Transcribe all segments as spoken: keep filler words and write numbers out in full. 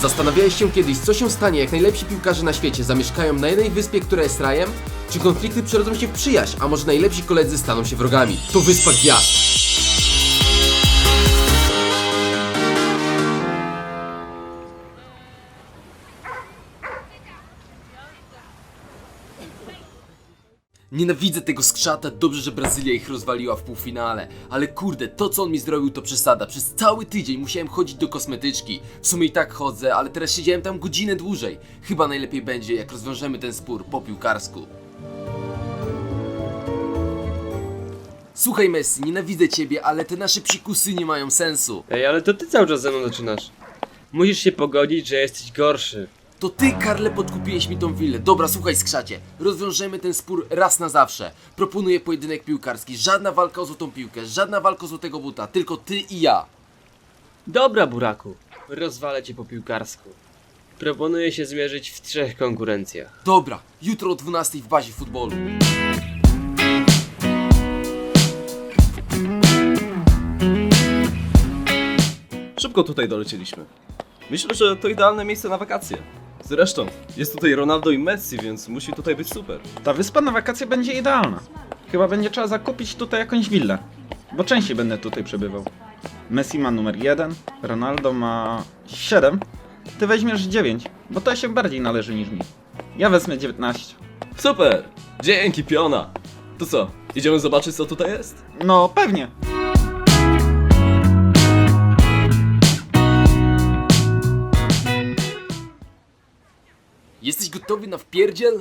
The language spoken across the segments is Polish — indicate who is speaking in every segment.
Speaker 1: Zastanawiałeś się kiedyś, co się stanie, jak najlepsi piłkarze na świecie zamieszkają na jednej wyspie, która jest rajem? Czy konflikty przerodzą się w przyjaźń, a może najlepsi koledzy staną się wrogami? To Wyspa Gwiazd. Nienawidzę tego skrzata, dobrze, że Brazylia ich rozwaliła w półfinale. Ale kurde, to co on mi zrobił to przesada. Przez cały tydzień musiałem chodzić do kosmetyczki. W sumie i tak chodzę, ale teraz siedziałem tam godzinę dłużej. Chyba najlepiej będzie, jak rozwiążemy ten spór po piłkarsku. Słuchaj Messi, nienawidzę ciebie, ale te nasze psikusy nie mają sensu.
Speaker 2: Ej, ale to ty cały czas ze mną zaczynasz. Musisz się pogodzić, że jesteś gorszy.
Speaker 1: To ty, Karle, podkupiłeś mi tą willę. Dobra, słuchaj, skrzacie. Rozwiążemy ten spór raz na zawsze. Proponuję pojedynek piłkarski. Żadna walka o złotą piłkę, żadna walka o złotego buta. Tylko ty i ja.
Speaker 2: Dobra, buraku. Rozwalę cię po piłkarsku. Proponuję się zmierzyć w trzech konkurencjach.
Speaker 1: Dobra, jutro o dwunastej w bazie futbolu.
Speaker 3: Szybko tutaj dolecieliśmy. Myślę, że to idealne miejsce na wakacje. Zresztą, jest tutaj Ronaldo i Messi, więc musi tutaj być super.
Speaker 4: Ta wyspa na wakacje będzie idealna. Chyba będzie trzeba zakupić tutaj jakąś willę, bo częściej będę tutaj przebywał. Messi ma numer jeden, Ronaldo ma siedem. Ty weźmiesz dziewięć, bo to się bardziej należy niż mi. Ja wezmę dziewiętnaście.
Speaker 3: Super! Dzięki, piona! To co, idziemy zobaczyć, co tutaj jest?
Speaker 4: No pewnie.
Speaker 1: Jesteś gotowy na wpierdziel?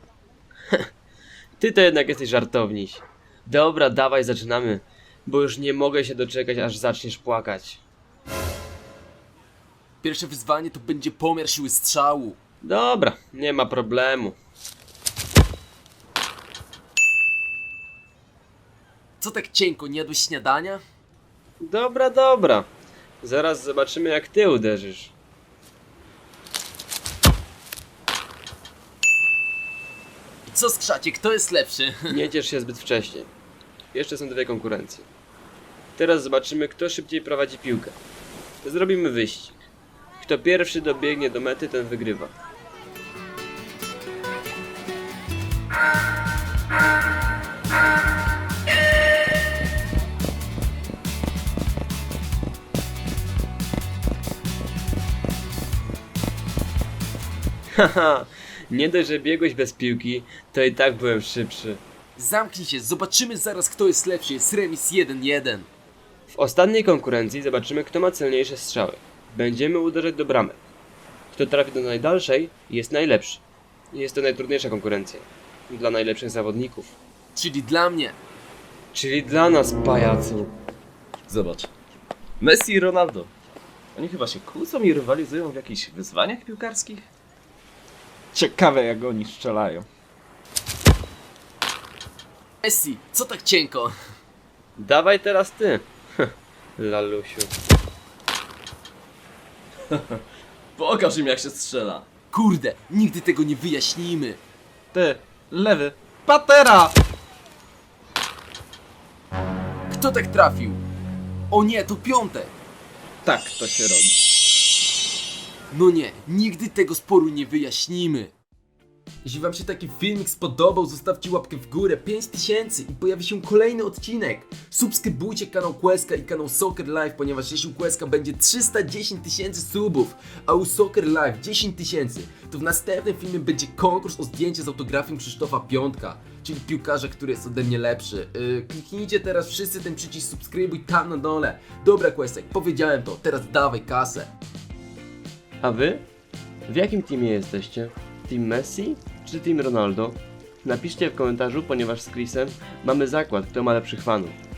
Speaker 2: Ty to jednak jesteś żartowniś. Dobra, dawaj, zaczynamy. Bo już nie mogę się doczekać, aż zaczniesz płakać.
Speaker 1: Pierwsze wyzwanie to będzie pomiar siły strzału.
Speaker 2: Dobra, nie ma problemu.
Speaker 1: Co tak cienko, nie jadłeś śniadania?
Speaker 2: Dobra, dobra. Zaraz zobaczymy, jak ty uderzysz.
Speaker 1: Co, skrzacie, kto jest lepszy?
Speaker 2: Nie ciesz się zbyt wcześnie. Jeszcze są dwie konkurencje. Teraz zobaczymy, kto szybciej prowadzi piłkę. Zrobimy wyścig. Kto pierwszy dobiegnie do mety, ten wygrywa. Haha, nie dość, że biegłeś bez piłki, to i tak byłem szybszy.
Speaker 1: Zamknij się, zobaczymy zaraz, kto jest lepszy. Jest remis jeden jeden.
Speaker 2: W ostatniej konkurencji zobaczymy, kto ma celniejsze strzały. Będziemy uderzać do bramek. Kto trafi do najdalszej, jest najlepszy. Jest to najtrudniejsza konkurencja. Dla najlepszych zawodników.
Speaker 1: Czyli dla mnie.
Speaker 2: Czyli dla nas, pajacu.
Speaker 3: Zobacz. Messi i Ronaldo. Oni chyba się kłócą i rywalizują w jakichś wyzwaniach piłkarskich?
Speaker 4: Ciekawe jak oni strzelają.
Speaker 1: Messi, co tak cienko?
Speaker 2: Dawaj teraz ty. Lalusiu.
Speaker 3: Pokaż im, jak się strzela.
Speaker 1: Kurde, nigdy tego nie wyjaśnimy.
Speaker 4: Ty, lewy, patera!
Speaker 1: Kto tak trafił? O nie, to piątek.
Speaker 4: Tak to się robi.
Speaker 1: No nie, nigdy tego sporu nie wyjaśnimy. Jeśli wam się taki filmik spodobał, zostawcie łapkę w górę, pięć tysięcy i pojawi się kolejny odcinek. Subskrybujcie kanał Queska i kanał Soccer Live, ponieważ jeśli u Queska będzie trzysta dziesięć tysięcy subów, a u Soccer Live dziesięć tysięcy, to w następnym filmie będzie konkurs o zdjęcie z autografem Krzysztofa Piątka, czyli piłkarza, który jest ode mnie lepszy. Yy, kliknijcie teraz wszyscy ten przycisk subskrybuj tam na dole. Dobra Quesek, powiedziałem to, teraz dawaj kasę.
Speaker 2: A wy? W jakim teamie jesteście? Team Messi czy Team Ronaldo? Napiszcie w komentarzu, ponieważ z Chrisem mamy zakład, kto ma lepszych fanów.